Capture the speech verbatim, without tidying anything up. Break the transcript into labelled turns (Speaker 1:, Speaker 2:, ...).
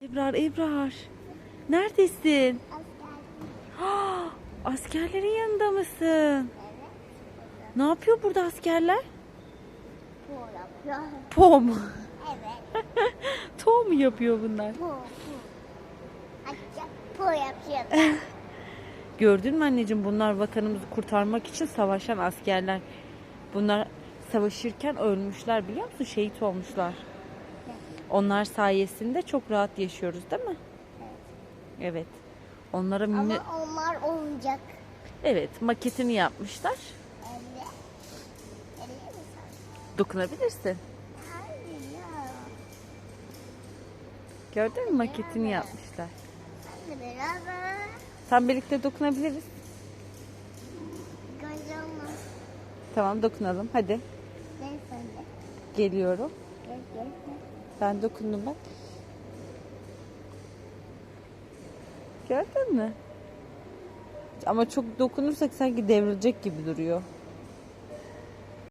Speaker 1: Ebrar, Ebrar. Neredesin?
Speaker 2: Askerlik.
Speaker 1: Ah, askerlerin yanında mısın?
Speaker 2: Evet.
Speaker 1: Ne yapıyor burada askerler?
Speaker 2: Bu yapıyor.
Speaker 1: Po mu?
Speaker 2: Evet.
Speaker 1: To mu yapıyor bunlar?
Speaker 2: Bu. Bu. Hatta bu yapıyor.
Speaker 1: Gördün mü anneciğim, bunlar vatanımızı kurtarmak için savaşan askerler. Bunlar savaşırken ölmüşler, biliyor musun? Şehit olmuşlar. Onlar sayesinde çok rahat yaşıyoruz, değil mi? Evet. Onlara minnet...
Speaker 2: Ama onlar olacak.
Speaker 1: Evet, maketini yapmışlar.
Speaker 2: Evet. Öyle mi sen?
Speaker 1: Dokunabilirsin.
Speaker 2: Hayır ya.
Speaker 1: Gördün mü, maketini yapmışlar.
Speaker 2: Hadi beraber.
Speaker 1: Tam birlikte dokunabiliriz.
Speaker 2: Kocaman.
Speaker 1: Tamam, dokunalım. Hadi.
Speaker 2: Gel sen de.
Speaker 1: Geliyorum.
Speaker 2: Gel gel. gel.
Speaker 1: Ben dokundum bak. Gördün mü? Ama çok dokunursak sanki devrilecek gibi duruyor.